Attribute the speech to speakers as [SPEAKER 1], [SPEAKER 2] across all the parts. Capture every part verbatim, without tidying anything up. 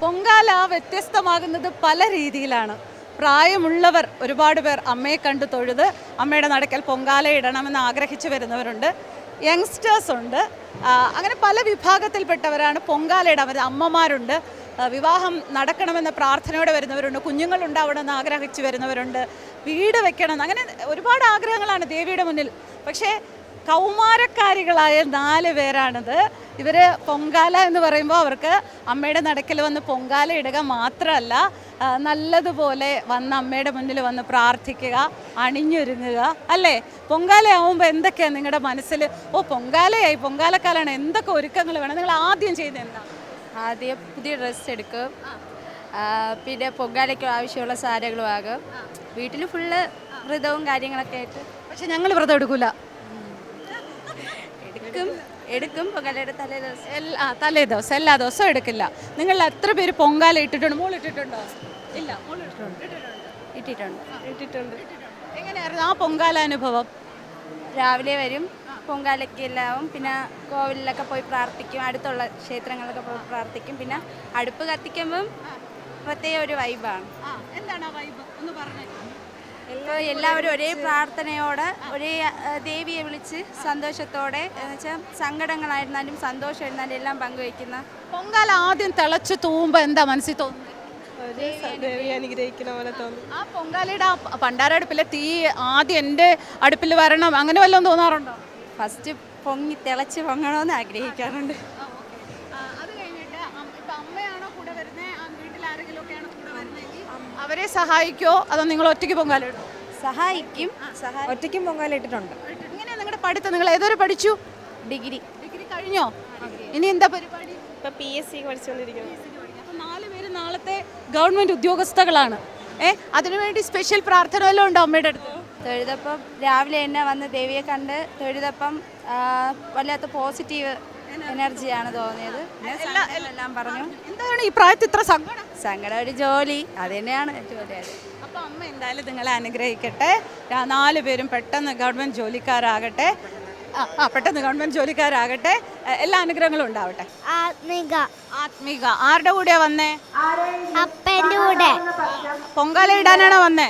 [SPEAKER 1] പൊങ്കാല വ്യത്യസ്തമാകുന്നത് പല രീതിയിലാണ്. പ്രായമുള്ളവർ ഒരുപാട് പേർ അമ്മയെ കണ്ടു തൊഴുത് അമ്മയുടെ നടക്കൽ പൊങ്കാല ഇടണമെന്ന് ആഗ്രഹിച്ചു വരുന്നവരുണ്ട്. യങ്സ്റ്റേഴ്സ് ഉണ്ട്. അങ്ങനെ പല വിഭാഗത്തിൽപ്പെട്ടവരാണ് പൊങ്കാല ഇടാൻ വരുന്നത്. അമ്മമാരുണ്ട്, വിവാഹം നടക്കണമെന്ന പ്രാർത്ഥനയോടെ വരുന്നവരുണ്ട്, കുഞ്ഞുങ്ങളുണ്ടാവണമെന്ന് ആഗ്രഹിച്ചു വരുന്നവരുണ്ട്, വീട് വെക്കണം, അങ്ങനെ ഒരുപാട് ആഗ്രഹങ്ങളാണ് ദേവിയുടെ മുന്നിൽ. പക്ഷേ കൗമാരക്കാരികളായ നാല് പേരാണിത്. ഇവർ പൊങ്കാല എന്ന് പറയുമ്പോൾ അവർക്ക് അമ്മയുടെ നടക്കൽ വന്ന് പൊങ്കാല ഇടുക മാത്രമല്ല, നല്ലതുപോലെ വന്ന് അമ്മയുടെ മുന്നിൽ വന്ന് പ്രാർത്ഥിക്കുക, അണിഞ്ഞൊരുങ്ങുക, അല്ലേ? പൊങ്കാലയാവുമ്പോൾ എന്തൊക്കെയാണ് നിങ്ങളുടെ മനസ്സിൽ? ഓ പൊങ്കാലയായി, പൊങ്കാലക്കാലാണ്, എന്തൊക്കെ ഒരുക്കങ്ങൾ വേണം? നിങ്ങൾ ആദ്യം ചെയ്യുന്നത് എന്താ?
[SPEAKER 2] ആദ്യം പുതിയ ഡ്രസ്സ് എടുക്കും, പിന്നെ പൊങ്കാലയ്ക്ക് ആവശ്യമുള്ള സാധനങ്ങളും ആകും. വീട്ടിൽ ഫുള്ള് വ്രതവും കാര്യങ്ങളൊക്കെ ആയിട്ട്.
[SPEAKER 1] പക്ഷെ ഞങ്ങൾ വ്രതം എടുക്കൂല.
[SPEAKER 2] എടുക്കും എടുക്കും പൊങ്കാലയുടെ തലേ ദിവസം.
[SPEAKER 1] എല്ലാ തലേ ദിവസം എല്ലാ ദിവസവും എടുക്കില്ല. നിങ്ങൾ എത്ര പേര് പൊങ്കാല ഇട്ടിട്ടുണ്ട്? മോൾ ഇട്ടിട്ടുണ്ടോ? ഇല്ല, മോൾ ഇട്ടിട്ടുണ്ട്
[SPEAKER 2] ഇട്ടിട്ടുണ്ട് ഇട്ടിട്ടുണ്ട്
[SPEAKER 1] എങ്ങനെയായിരുന്നു ആ പൊങ്കാല അനുഭവം?
[SPEAKER 2] രാവിലെ വരും, പൊങ്കാലയ്ക്ക് എല്ലാവും, പിന്നെ കോവിലൊക്കെ പോയി പ്രാർത്ഥിക്കും, അടുത്തുള്ള ക്ഷേത്രങ്ങളിലൊക്കെ പോയി പ്രാർത്ഥിക്കും. പിന്നെ അടുപ്പ് കത്തിക്കുമ്പം പ്രത്യേക ഒരു വൈബാണ്.
[SPEAKER 1] എന്താണ് ആ വൈബ് ഒന്ന് പറഞ്ഞേ.
[SPEAKER 2] ഇപ്പോൾ എല്ലാവരും ഒരേ പ്രാർത്ഥനയോടെ ഒരേ ദേവിയെ വിളിച്ച് സന്തോഷത്തോടെ, എന്ന് വെച്ചാൽ സങ്കടങ്ങളായിരുന്നാലും സന്തോഷമായിരുന്നാലും എല്ലാം പങ്കുവയ്ക്കുന്ന
[SPEAKER 1] പൊങ്കാല ആദ്യം തിളച്ച് തൂവുമ്പോൾ എന്താ മനസ്സിൽ തോന്നുന്നത്?
[SPEAKER 3] ദേവി അനുഗ്രഹിക്കുന്ന പോലെ തോന്നും.
[SPEAKER 1] ആ പൊങ്കാലയുടെ ആ പണ്ടാര അടുപ്പിലെ തീ ആദ്യം എൻ്റെ അടുപ്പിൽ വരണം, അങ്ങനെ വല്ലതും തോന്നാറുണ്ടോ?
[SPEAKER 2] ഫസ്റ്റ് പൊങ്ങി തിളച്ച് പൊങ്ങണമെന്ന് ആഗ്രഹിക്കാറുണ്ട്.
[SPEAKER 1] അത് കഴിഞ്ഞിട്ട് ഇപ്പം അമ്മയാണോ കൂടെ വരുന്നത്, വീട്ടിൽ ആരെങ്കിലും ഒക്കെയാണോ കൂടെ വരുന്നതെങ്കിൽ അവരെ സഹായിക്കുമോ അതോ നിങ്ങൾ ഒറ്റയ്ക്ക് പൊങ്കാല ഇടുമോ?
[SPEAKER 2] സഹായിക്കും.
[SPEAKER 3] ഒറ്റയ്ക്കും പൊങ്കാല ഇട്ടിട്ടുണ്ട്.
[SPEAKER 1] ഇങ്ങനെയാണ് നിങ്ങളുടെ പഠിത്തം? നിങ്ങൾ ഏതൊരു പഠിച്ചു?
[SPEAKER 2] ഡിഗ്രി.
[SPEAKER 1] ഡിഗ്രി കഴിഞ്ഞോ? ഇനി എന്താ പരിപാടി?
[SPEAKER 3] ഇപ്പൊ പി എസ് സി പഠിച്ചുകൊണ്ടിരിക്കുന്നു.
[SPEAKER 1] അപ്പം നാല് പേര് നാളത്തെ ഗവൺമെന്റ് ഉദ്യോഗസ്ഥകളാണ്. ഏഹ് അതിനുവേണ്ടി സ്പെഷ്യൽ പ്രാർത്ഥന വല്ലതും ഉണ്ടോ അമ്മയുടെ അടുത്ത്?
[SPEAKER 2] തൊഴുതപ്പം രാവിലെ തന്നെ വന്ന് ദേവിയെ കണ്ട് തൊഴുതപ്പം വല്ലാത്ത പോസിറ്റീവ് എനർജിയാണ് തോന്നിയത്. എല്ലാം പറഞ്ഞു.
[SPEAKER 1] എന്താണ് ഈ പ്രായത്തിൽ ഇത്ര സങ്കടം?
[SPEAKER 2] സങ്കടം ഒരു ജോലി, അത് തന്നെയാണ് ജോലി.
[SPEAKER 1] അപ്പോൾ അമ്മ എന്തായാലും നിങ്ങളെ അനുഗ്രഹിക്കട്ടെ. നാല് പേരും പെട്ടെന്ന് ഗവൺമെന്റ് ജോലിക്കാരാകട്ടെ. ആ പെട്ടെന്ന് ഗവൺമെന്റ് ജോലിക്കാരാകട്ടെ. എല്ലാ അനുഗ്രഹങ്ങളും ഉണ്ടാവട്ടെ.
[SPEAKER 4] ആത്മിക.
[SPEAKER 1] ആത്മിക ആരുടെ കൂടെയാ വന്നേ?
[SPEAKER 4] അപ്പൻ്റെ കൂടെ.
[SPEAKER 1] പൊങ്കാല ഇടാനാണോ വന്നേ?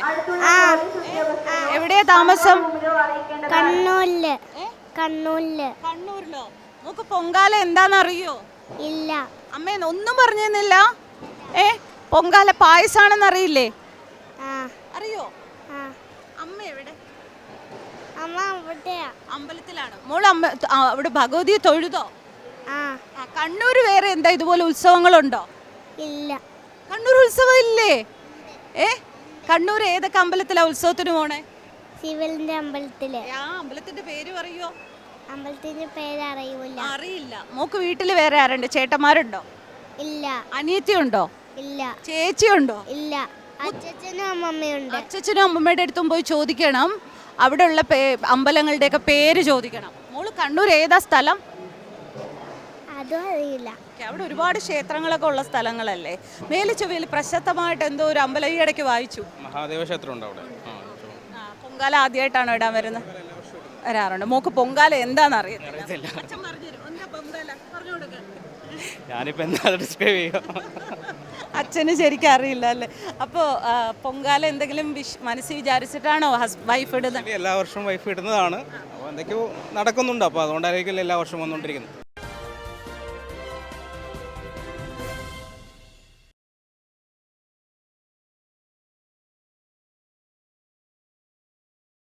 [SPEAKER 1] എവിടെയാ താമസം?
[SPEAKER 4] കണ്ണൂരില്. കണ്ണൂരില്.
[SPEAKER 1] കണ്ണൂരിലോ? നമുക്ക് പൊങ്കാല എന്താണെന്നറിയോ?
[SPEAKER 4] ഇല്ല.
[SPEAKER 1] അമ്മ ഒന്നും പറഞ്ഞിരുന്നില്ല. ഏ പൊങ്കാല പായസാണെന്ന് അറിയില്ലേ? അറിയോ? അമ്മ എവിടെ?
[SPEAKER 4] അമ്മ അവിടെയാ,
[SPEAKER 1] അമ്പലത്തിലാണ്. മോള് അമ്മ അവിടെ ഭഗവതിയെ തൊഴുതോ? കണ്ണൂര് വേറെ എന്താ ഇതുപോലെ ഉത്സവങ്ങളുണ്ടോ?
[SPEAKER 4] ഇല്ല.
[SPEAKER 1] കണ്ണൂർ ഉത്സവം ഇല്ലേ? ഏ കണ്ണൂർ ഏതൊക്കെ അമ്പലത്തിലാ ഉത്സവത്തിന് പോണേ?
[SPEAKER 4] ശിവലിന്റെ അമ്പലത്തില്.
[SPEAKER 1] ആ അമ്പലത്തിന്റെ പേര് പറയോ?
[SPEAKER 4] അമ്പലത്തിന്റെ പേര് അറിയൂല.
[SPEAKER 1] അറിയില്ല. മോക്ക് വീട്ടില് വേറെ ആരുണ്ട്? ചേട്ടന്മാരുണ്ടോ?
[SPEAKER 4] ഇല്ല.
[SPEAKER 1] അനിയത്തി ഉണ്ടോ?
[SPEAKER 4] ഇല്ല.
[SPEAKER 1] ചേച്ചി ഉണ്ടോ?
[SPEAKER 4] ഇല്ല. അച്ഛനും അമ്മമ്മയുണ്ട്.
[SPEAKER 1] അച്ഛനും അമ്മമ്മയുടെ അടുത്തും പോയി ചോദിക്കണം. അവിടെ ഉള്ള പേ അമ്പലങ്ങളുടെയൊക്കെ പേര് ചോദിക്കണം. മോള് കണ്ണൂർ ഏതാ സ്ഥലം?
[SPEAKER 4] അതും അറിയില്ല.
[SPEAKER 1] അവിടെ ഒരുപാട് ക്ഷേത്രങ്ങളൊക്കെ ഉള്ള സ്ഥലങ്ങളല്ലേ? മേലിച്ചുവയിൽ പ്രശസ്തമായിട്ട് എന്തോ ഒരു അമ്പലം ഈ ഇടയ്ക്ക് വായിച്ചു.
[SPEAKER 5] മഹാദേവ ക്ഷേത്രം ഉണ്ട് അവിടെ.
[SPEAKER 1] പൊങ്കാല ആദ്യമായിട്ടാണോ ഇടാൻ വരുന്നത്? വരാറുണ്ട്. മോക്ക് പൊങ്കാല എന്താണെന്ന് അറിയത്തില്ല.
[SPEAKER 5] ഞാനിപ്പോ എന്താ ഡിസ്ക്രൈബ് ചെയ്യുക?
[SPEAKER 1] അച്ഛന് ശരിക്കും അറിയില്ല അല്ലേ? അപ്പോൾ പൊങ്കാല എന്തെങ്കിലും മനസ്സിൽ വിചാരിച്ചിട്ടാണോ വൈഫ് ഇടുന്നത്?
[SPEAKER 5] എല്ലാ വർഷവും വൈഫ് ഇടുന്നതാണ്. അപ്പോൾ എന്തൊക്കെയോ നടക്കുന്നുണ്ട്. അപ്പോൾ അതുകൊണ്ടായിരിക്കും എല്ലാ വർഷവും വന്നുകൊണ്ടിരിക്കുന്നത്.